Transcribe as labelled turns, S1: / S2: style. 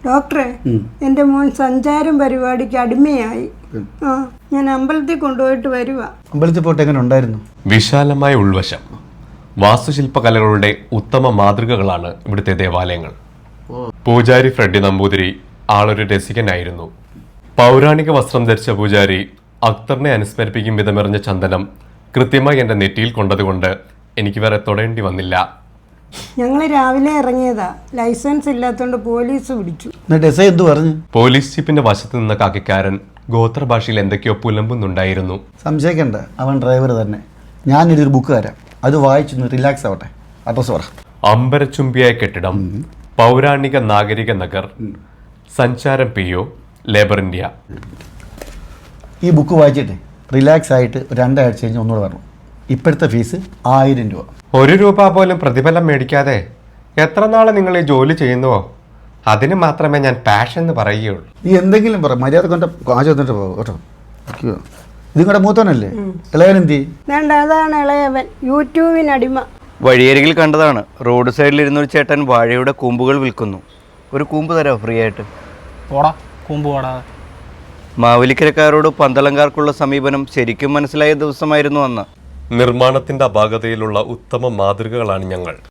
S1: ഡോക്ടറെ, എൻ്റെ മോൻ സഞ്ചാരം പരിപാടിക്ക് അടിമയായി. ഞാൻ അമ്പലത്തിൽ കൊണ്ടുപോയിട്ട് വരുവാ.
S2: അമ്പലത്തിൽ പോയിട്ട് എങ്ങനെ ഉണ്ടായിരുന്നു?
S3: വിശാലമായ ഉൾവശം, വാസ്തുശില്പകലകളുടെ ഉത്തമ മാതൃകകളാണ് ഇവിടുത്തെ ദേവാലയങ്ങൾ. പൂജാരി ഫ്രെഡി നമ്പൂതിരി ആളൊരു രസികനായിരുന്നു. പൗരാണിക വസ്ത്രം ധരിച്ച പൂജാരി അക്തറിനെ അനുസ്മരിപ്പിക്കും വിധമെറിഞ്ഞ ചന്ദനം കൃത്യമായി എൻ്റെ നെറ്റിയിൽ കൊണ്ടതുകൊണ്ട് എനിക്ക് വേറെ തൊടേണ്ടി വന്നില്ല.
S1: ഞങ്ങൾ രാവിലെ ഇറങ്ങിയതാ, ലൈസൻസ് ഇല്ലാത്തോണ്ട് പോലീസ് പിടിച്ചു.
S3: പോലീസ് ജീപ്പിന്റെ വശത്ത് നിന്ന കാക്കിക്കാരൻ ഗോത്രഭാഷയിൽ എന്തൊക്കെയോ പുലമ്പുന്നുണ്ടായിരുന്നു.
S2: സംശയിക്കണ്ട, അവൻ ഡ്രൈവർ തന്നെ. ഞാനൊരു ബുക്ക് തരാം, അത് വായിച്ചൊന്ന് റിലാക്സ് ആവട്ടെ. അഡ്രസ് പറ.
S3: അമ്പരച്ചുംബിയായ കെട്ടിടം, പൗരാണിക നാഗരിക Nagar, Sancharam PO, labour India.
S2: ഈ ബുക്ക് വായിച്ചിട്ട് റിലാക്സ് ആയിട്ട് 2 ആഴ്ച കഴിഞ്ഞ് ഒന്നുകൂടെ വരണം. ഇപ്പോഴത്തെ ഫീസ് 1000 രൂപ.
S3: 1 രൂപ പോലും പ്രതിഫലം മേടിക്കാതെ എത്ര നാളെ നിങ്ങൾ ഈ ജോലി ചെയ്യുന്നുവോ അതിന് മാത്രമേ ഞാൻ പാഷൻ എന്ന് പറയുകയുള്ളൂ.
S2: നീ എന്തെങ്കിലും പറ, മര്യാദ കൊണ്ട് കാശ് വന്നിട്ട് പോകും കേട്ടോ. ഇതും കൂടെ മൂത്തവനല്ലേ? ഇളയവൻ എന്തി?
S1: അതാണ് ഇളയവൻ, യൂട്യൂബിനടിമ.
S4: വഴിയരികിൽ കണ്ടതാണ്. റോഡ് സൈഡിലിരുന്നൊരു ചേട്ടൻ വാഴയുടെ കൂമ്പുകൾ വിൽക്കുന്നു. ഒരു കൂമ്പ് തരാമോ ഫ്രീ ആയിട്ട്?
S5: പോടാ, കൂമ്പ് പോടാ.
S4: മാവേലിക്കരക്കാരോട് പന്തളംകാർക്കുള്ള സമീപനം ശരിക്കും മനസ്സിലായ ദിവസമായിരുന്നു അന്ന്.
S3: നിർമ്മാണത്തിന്റെ അപാകതയിലുള്ള ഉത്തമ മാതൃകകളാണ് ഞങ്ങൾ.